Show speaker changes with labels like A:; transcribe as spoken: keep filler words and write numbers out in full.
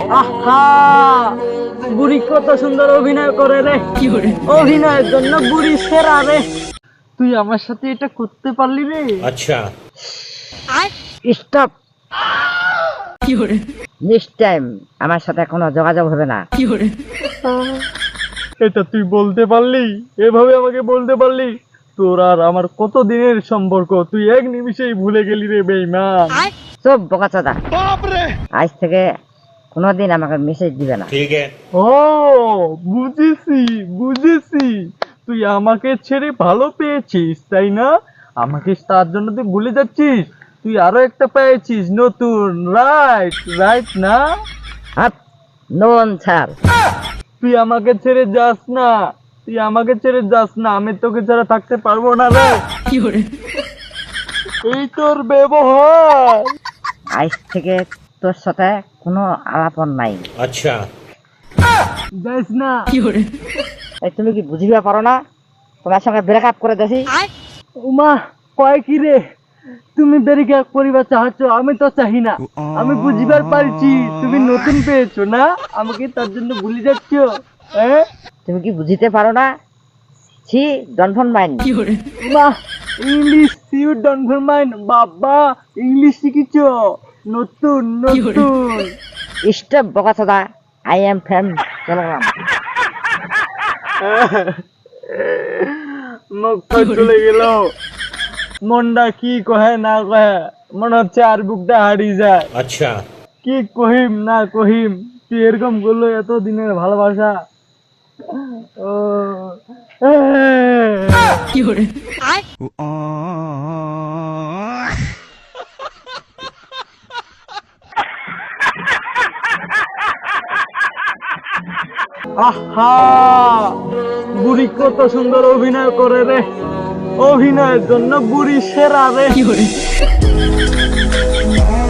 A: আহা, বুড়ি কত সুন্দর অভিনয় করে রে। অভিনয়ের জন্য বুড়ি সেরা রে। তুই আমার সাথে এটা করতে পারলি রে।
B: আচ্ছা
C: স্টপ। নেক্সট টাইম আমার সাথে কোনো যোগাযোগ হবে না।
A: এটা তুই বলতে পারলি, এভাবে আমাকে বলতে পারলি? তোর আর আমার কত দিনের সম্পর্ক তুই এক নিমিষেই ভুলে গেলি রে বেঈমান।
C: সব বোকাচোদা, আজ থেকে কোনোদিন আমাকে মেসেজ দিবে না।
B: ঠিক আছে।
A: ও বুঝেছি বুঝেছি, তুই আমাকে ছেড়ে ভালো পেয়েছিস তাই না? আমাকে তার জন্য তুই ভুলে যাচ্ছিস। তুই আরো একটা পেয়েছিস নতুন, রাইট রাইট না?
C: আপ নন স্যার।
A: তুই আমাকে ছেড়ে যাস না, তুই আমাকে ছেড়ে যাস না, আমি তোকে ছাড়া থাকতে পারবো না রে। এই তোর ব্যবহার।
C: আজ থেকে তোর সাথে কোনো আলাপন নাই।
B: আচ্ছা
A: যাস না।
C: এই তুমি কি বুঝিবে পারো না? তোমার সঙ্গে ব্রেকআপ করে দেছি।
A: উমা কয় কি রে, তুমি বেরিকে পরিবার চাচ্ছ, আমি তো চাহি না। আমি বুঝিবার পারছি তুমি নতুন পেয়েছো না, আমাকে তার জন্য ভুলে যাচ্ছ। হ্যাঁ
C: তুমি কি বুঝিতে পারো না? ছি ডনফন মাইন্ড।
A: উমা ইংলিশ ইউ ডোন্ট মাইন্ড, বাবা ইংলিশ শিখিছ নতুন নতুন।
C: স্টপ বোকাচোদা, আই এম ফ্যাম চললাম।
A: মুখ চলে গেল, মনটা কি কহে না কহে, মনে হচ্ছে আর বুকটা হারিয়ে যায়।
B: আচ্ছা
A: কি কহিম না কহিম, তুই এরকম করলো এত দিনের ভালোবাসা। ও কি করে আহা, বুড়ি কত সুন্দর অভিনয় করে রে। অভিনয়ের জন্য বুড়ি সেরা রে।